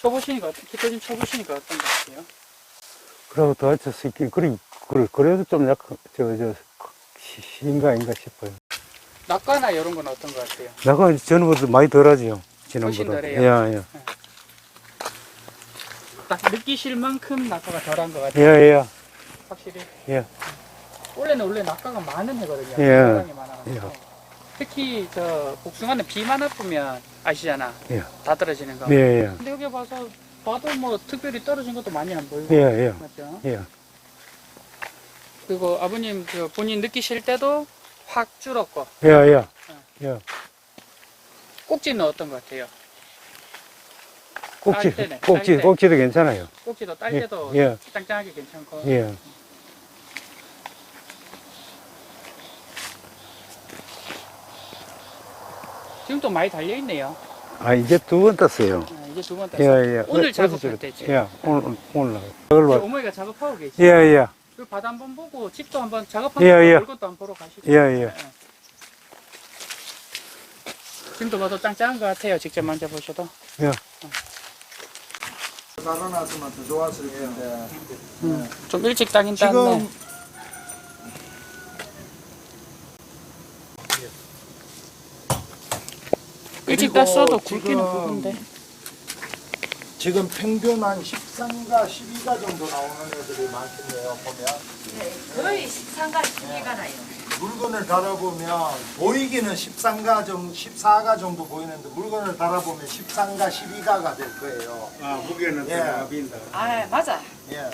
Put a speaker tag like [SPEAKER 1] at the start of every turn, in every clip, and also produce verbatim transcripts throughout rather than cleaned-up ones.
[SPEAKER 1] 쳐보시니까, 기타 좀 쳐보시니까 어떤 것 같아요?
[SPEAKER 2] 그러고 도와줄 수 있긴, 그래, 그래, 그래도 좀 약간, 저, 저, 시인가 아닌가 싶어요.
[SPEAKER 1] 낙과나 이런 건 어떤 것 같아요?
[SPEAKER 2] 나가 전보다 많이 덜하지요. 지난보다.
[SPEAKER 1] 훨씬 덜해요?
[SPEAKER 2] 예, 예.
[SPEAKER 1] 딱 느끼실 만큼 낙과가 덜한 것 같아요.
[SPEAKER 2] 예, 예.
[SPEAKER 1] 확실히.
[SPEAKER 2] 예.
[SPEAKER 1] 원래는 원래 낙과가 많은 해거든요.
[SPEAKER 2] 예.
[SPEAKER 1] 상당히 많아가지고.
[SPEAKER 2] 예.
[SPEAKER 1] 특히 저 복숭아는 비만 와쁘면 아시잖아.
[SPEAKER 2] 예.
[SPEAKER 1] 다 떨어지는 거.
[SPEAKER 2] 예, 예.
[SPEAKER 1] 근데 여기 봐서 봐도 뭐 특별히 떨어진 것도 많이 안 보이고.
[SPEAKER 2] 예, 예.
[SPEAKER 1] 맞죠?
[SPEAKER 2] 예.
[SPEAKER 1] 그리고 아버님 그 본인 느끼실 때도 확 줄었고.
[SPEAKER 2] 예, 예. 예.
[SPEAKER 1] 꼭지는 어떤 것 같아요?
[SPEAKER 2] 꼭지,
[SPEAKER 1] 딸 때네,
[SPEAKER 2] 꼭지,
[SPEAKER 1] 딸 때.
[SPEAKER 2] 꼭지도 괜찮아요.
[SPEAKER 1] 꼭지도 딸
[SPEAKER 2] 예,
[SPEAKER 1] 때도
[SPEAKER 2] 예.
[SPEAKER 1] 짱짱하게 괜찮고.
[SPEAKER 2] 예.
[SPEAKER 1] 지금 또 많이 달려있네요.
[SPEAKER 2] 아, 이제 두 번 땄어요.
[SPEAKER 1] 아, 이제 두 번
[SPEAKER 2] 예,
[SPEAKER 1] 땄어요.
[SPEAKER 2] 예.
[SPEAKER 1] 오늘
[SPEAKER 2] 어디서
[SPEAKER 1] 작업할
[SPEAKER 2] 저래-
[SPEAKER 1] 때지.
[SPEAKER 2] 예, 오늘, 오늘 나. 그걸 봐.
[SPEAKER 1] 어머니가 작업하고 계시죠?
[SPEAKER 2] 예, 예.
[SPEAKER 1] 그 바다 한번 보고 집도 한번 작업하고
[SPEAKER 2] 예, 예.
[SPEAKER 1] 그것도 한번 보러 가시죠.
[SPEAKER 2] 예, 예.
[SPEAKER 1] 지금도 봐도 짱짱한 것 같아요. 직접 만져보셔도.
[SPEAKER 2] 예.
[SPEAKER 3] 달아놨으면 더 좋았을 텐데.
[SPEAKER 1] 음, 좀 일찍 따긴
[SPEAKER 3] 지금
[SPEAKER 1] 땄네. 일찍
[SPEAKER 3] 그리고
[SPEAKER 1] 땄어도 굵기는
[SPEAKER 3] 지금
[SPEAKER 1] 굵은데.
[SPEAKER 3] 지금 평균 한 십삼가, 십이가 정도 나오는 애들이 많겠네요, 보면.
[SPEAKER 4] 네, 거의 십삼가 십이가 나요.
[SPEAKER 3] 물건을 달아보면 보이기는 십삼가 정도, 십사가 정도 보이는데 물건을 달아보면 십삼가, 십이가가 될 거예요.
[SPEAKER 2] 아, 무게는
[SPEAKER 3] 예.
[SPEAKER 2] 더 빈다.
[SPEAKER 4] 아, 맞아.
[SPEAKER 3] 예.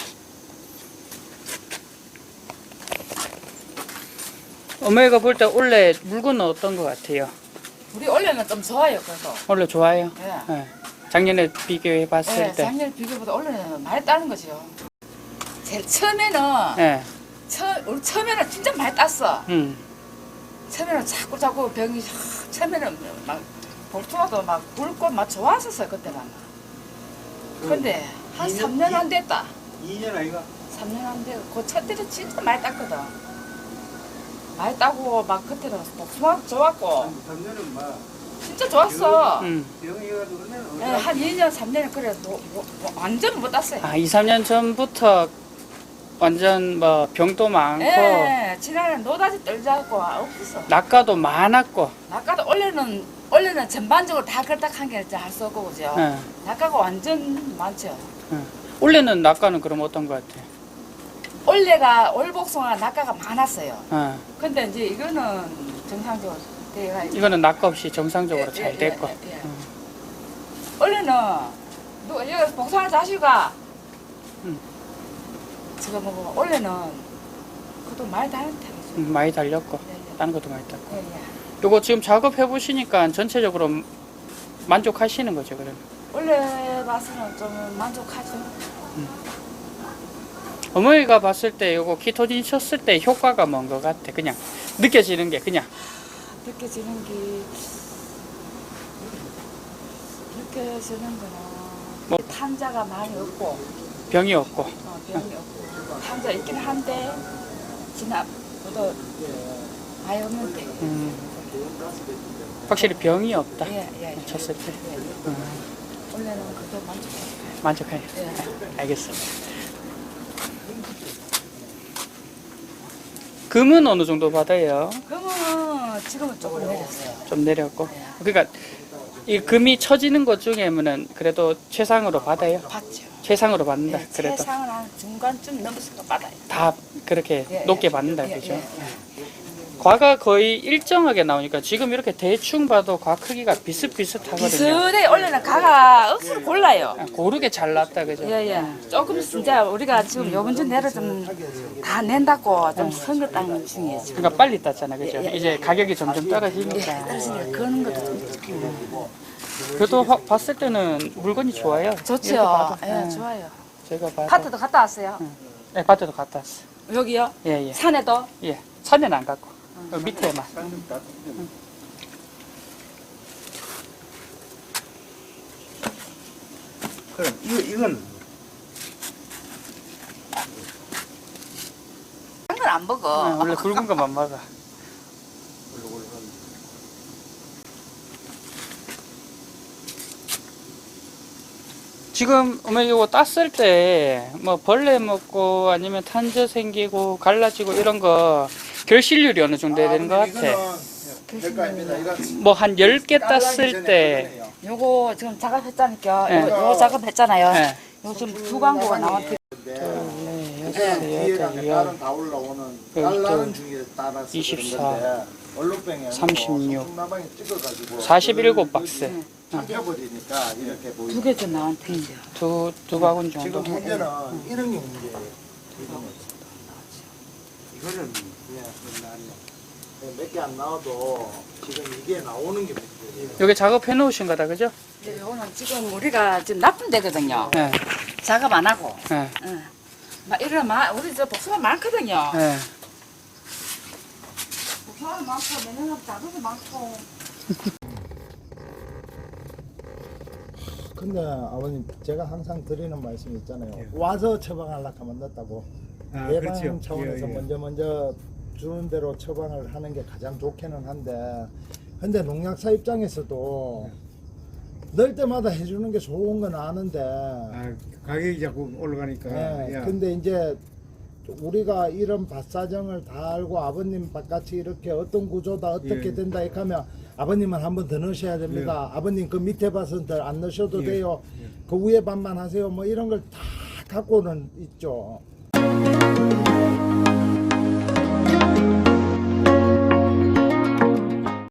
[SPEAKER 1] 어머니가 볼 때 원래 물건은 어떤 것 같아요?
[SPEAKER 4] 우리 원래는 좀 좋아요, 그래서.
[SPEAKER 1] 원래 좋아요?
[SPEAKER 4] 예.
[SPEAKER 1] 네. 작년에 비교해 봤을
[SPEAKER 4] 예,
[SPEAKER 1] 때.
[SPEAKER 4] 작년 비교보다 원래는 많이 따는 거죠. 제일 처음에는,
[SPEAKER 1] 네.
[SPEAKER 4] 처, 우리 처음에는 진짜 많이 땄어.
[SPEAKER 1] 음.
[SPEAKER 4] 처음에는 자꾸 자꾸 병이, 하, 처음에는 막, 볼토마도 막 굵고 막 좋았었어요, 그때는. 근데 한 삼 년 안 됐다.
[SPEAKER 2] 이 년 아이가?
[SPEAKER 4] 삼 년 안 되고, 그 첫 때는 진짜 많이 땄거든. 많이 따고, 막 그때는 복숭아 좋았고,
[SPEAKER 2] 삼 년은 막,
[SPEAKER 4] 진짜 좋았어.
[SPEAKER 1] 음.
[SPEAKER 2] 병이가지고 그러면
[SPEAKER 4] 네, 한 이 년, 삼 년은 그래, 뭐, 뭐, 뭐, 완전 못 땄어요.
[SPEAKER 1] 아, 이, 삼 년 전부터 완전 뭐 병도 많고
[SPEAKER 4] 예, 지난해 노다지 떨자고 없었어.
[SPEAKER 1] 낙가도 많았고.
[SPEAKER 4] 낙가도 원래는, 원래는 전반적으로 다 그렇다 한 게 할 수 없고, 그죠?
[SPEAKER 1] 예.
[SPEAKER 4] 낙가가 완전 많죠.
[SPEAKER 1] 예. 원래는 낙가는 그럼 어떤 것 같아요?
[SPEAKER 4] 원래가 올복숭아 낙가가 많았어요.
[SPEAKER 1] 예.
[SPEAKER 4] 근데 이제 이거는 정상적으로 돼가
[SPEAKER 1] 이거는 낙가 없이 정상적으로
[SPEAKER 4] 예,
[SPEAKER 1] 잘
[SPEAKER 4] 예,
[SPEAKER 1] 됐고.
[SPEAKER 4] 예, 예.
[SPEAKER 1] 음.
[SPEAKER 4] 원래는 누가 여기 복숭아 자식아
[SPEAKER 1] 음.
[SPEAKER 4] 지금 뭐 원래는 그것도 많이 다른데.
[SPEAKER 1] 음, 많이 달렸고
[SPEAKER 4] 예, 예.
[SPEAKER 1] 다른 것도 많이 땄고.
[SPEAKER 4] 예, 예.
[SPEAKER 1] 요거 지금 작업해 보시니까 전체적으로 만족하시는 거죠, 그러면?
[SPEAKER 4] 원래 봐서는 좀 만족하죠.
[SPEAKER 1] 어머니가 봤을 때 요거 키토진 쳤을 때 효과가 뭔 것 같아? 그냥 느껴지는 게 그냥.
[SPEAKER 4] 느껴지는 게 느껴지는 거는
[SPEAKER 1] 뭐?
[SPEAKER 4] 탄자가 많이 없고
[SPEAKER 1] 병이 없고.
[SPEAKER 4] 어, 병이 없고 탄자 있긴 한데 지나보다 많이 없는데
[SPEAKER 1] 음. 확실히 병이 없다.
[SPEAKER 4] 예, 예, 예.
[SPEAKER 1] 쳤을 때.
[SPEAKER 4] 예.
[SPEAKER 1] 음.
[SPEAKER 4] 원래는 그게 만족해요.
[SPEAKER 1] 만족해요.
[SPEAKER 4] 예.
[SPEAKER 1] 알겠습니다. 금은 어느 정도 받아요?
[SPEAKER 4] 그러면 지금은 조금 내렸어요.
[SPEAKER 1] 좀 내렸고. 그러니까 이 금이 쳐지는 것 중에는 그래도 최상으로 받아요.
[SPEAKER 4] 받죠.
[SPEAKER 1] 최상으로 받는다.
[SPEAKER 4] 예,
[SPEAKER 1] 그래도
[SPEAKER 4] 최상은 한 중간쯤 넘어서 받아요.
[SPEAKER 1] 다 그렇게
[SPEAKER 4] 예,
[SPEAKER 1] 높게
[SPEAKER 4] 예.
[SPEAKER 1] 받는다,
[SPEAKER 4] 예,
[SPEAKER 1] 그죠?
[SPEAKER 4] 예,
[SPEAKER 1] 과가 거의 일정하게 나오니까 지금 이렇게 대충 봐도 과 크기가 비슷비슷하거든요.
[SPEAKER 4] 비슷해. 원래는 가가 억수로 골라요.
[SPEAKER 1] 아, 고르게 잘 났다, 그죠?
[SPEAKER 4] 예예. 조금 진짜 우리가 지금 요번 주 내로 좀 다 낸다고 좀 선거 땅 중이에요. 지금.
[SPEAKER 1] 그러니까 빨리 땄잖아, 그죠?
[SPEAKER 4] 예, 예,
[SPEAKER 1] 이제 가격이 점점
[SPEAKER 4] 예,
[SPEAKER 1] 떨어지니까.
[SPEAKER 4] 떨어지니까 그런 것도 좀
[SPEAKER 1] 그래도 화- 봤을 때는 물건이 좋아요. 이렇게
[SPEAKER 4] 좋죠.
[SPEAKER 1] 봐도.
[SPEAKER 4] 예,
[SPEAKER 1] 예,
[SPEAKER 4] 좋아요.
[SPEAKER 1] 제가 봐도.
[SPEAKER 4] 밭에도 갔다 왔어요.
[SPEAKER 1] 네, 밭에도 갔다 왔어.
[SPEAKER 4] 여기요?
[SPEAKER 1] 예, 예.
[SPEAKER 4] 산에도?
[SPEAKER 1] 예. 산에는 안 갔고. 어, 밑에만.
[SPEAKER 2] 그럼, 이거, 이건,
[SPEAKER 4] 한 건 안 먹어.
[SPEAKER 1] 어, 원래 굵은 것만 먹어. 지금 어머니 이거 땄을 때 뭐 벌레 먹고 아니면 탄저 생기고 갈라지고 이런 거 결실률이 어느 정도 돼야 되는 것 같아.
[SPEAKER 3] 될거입니다. 이건
[SPEAKER 1] 뭐 한 열 개
[SPEAKER 3] 깔라기
[SPEAKER 1] 땄을
[SPEAKER 3] 전에
[SPEAKER 1] 때
[SPEAKER 3] 그러네요.
[SPEAKER 4] 요거 지금 작업했자니까
[SPEAKER 1] 네.
[SPEAKER 4] 요거, 요거 작업했잖아요.
[SPEAKER 1] 네.
[SPEAKER 4] 요 지금 두 광고가 나왔대.
[SPEAKER 1] 네,
[SPEAKER 3] 그냥
[SPEAKER 1] 여섯,
[SPEAKER 3] 뒤에
[SPEAKER 1] 여덟,
[SPEAKER 3] 가면
[SPEAKER 1] 열,
[SPEAKER 3] 다른 다 올라오는
[SPEAKER 1] 열두,
[SPEAKER 3] 달라는 중에 따라서
[SPEAKER 1] 이십사,
[SPEAKER 3] 그런 건데 얼룩뱅에
[SPEAKER 1] 삼십육,
[SPEAKER 3] 나방에 찍어가지고
[SPEAKER 1] 사십칠 박스.
[SPEAKER 3] 잡혀버리니까 이렇게 보이죠.
[SPEAKER 4] 두 개 좀 나한테.
[SPEAKER 1] 두, 두 바구니
[SPEAKER 3] 지금
[SPEAKER 1] 정도.
[SPEAKER 3] 문제는 이런 게 문제예요.
[SPEAKER 2] 이거는
[SPEAKER 3] 몇 개 안 나와도 지금 이게 나오는 게 문제예요.
[SPEAKER 1] 여기 작업해 놓으신 거다, 그죠?
[SPEAKER 4] 네, 요거는 지금 우리가 지금 나쁜 데거든요.
[SPEAKER 1] 네.
[SPEAKER 4] 작업 안 하고.
[SPEAKER 1] 네.
[SPEAKER 4] 응. 막 이런 막 우리 저 복숭아 많거든요.
[SPEAKER 1] 네.
[SPEAKER 4] 복숭아 많고 매년하고 작업도 많고.
[SPEAKER 3] 근데 아버님 제가 항상 드리는 말씀이 있잖아요.
[SPEAKER 2] 예.
[SPEAKER 3] 와서 처방하려고 하면 늦다고.
[SPEAKER 2] 아,
[SPEAKER 3] 예방
[SPEAKER 2] 그렇죠.
[SPEAKER 3] 차원에서
[SPEAKER 2] 예, 예.
[SPEAKER 3] 먼저 먼저 주는 대로 처방을 하는 게 가장 좋기는 한데 근데 농약사 입장에서도 넣을 때마다 해주는 게 좋은 건 아는데
[SPEAKER 2] 아, 가격이 자꾸 올라가니까.
[SPEAKER 3] 예,
[SPEAKER 2] 야.
[SPEAKER 3] 근데 이제 우리가 이런 밭사정을 다 알고 아버님 밭같이 이렇게 어떤 구조다 어떻게
[SPEAKER 2] 예.
[SPEAKER 3] 된다 이렇게 하면 아버님은 한 번 더 넣으셔야 됩니다. 아버님 그 밑에 밭은 더 안 넣으셔도
[SPEAKER 2] 예.
[SPEAKER 3] 돼요.
[SPEAKER 2] 예.
[SPEAKER 3] 그 위에 밭만 하세요. 뭐 이런 걸 다 갖고는 있죠.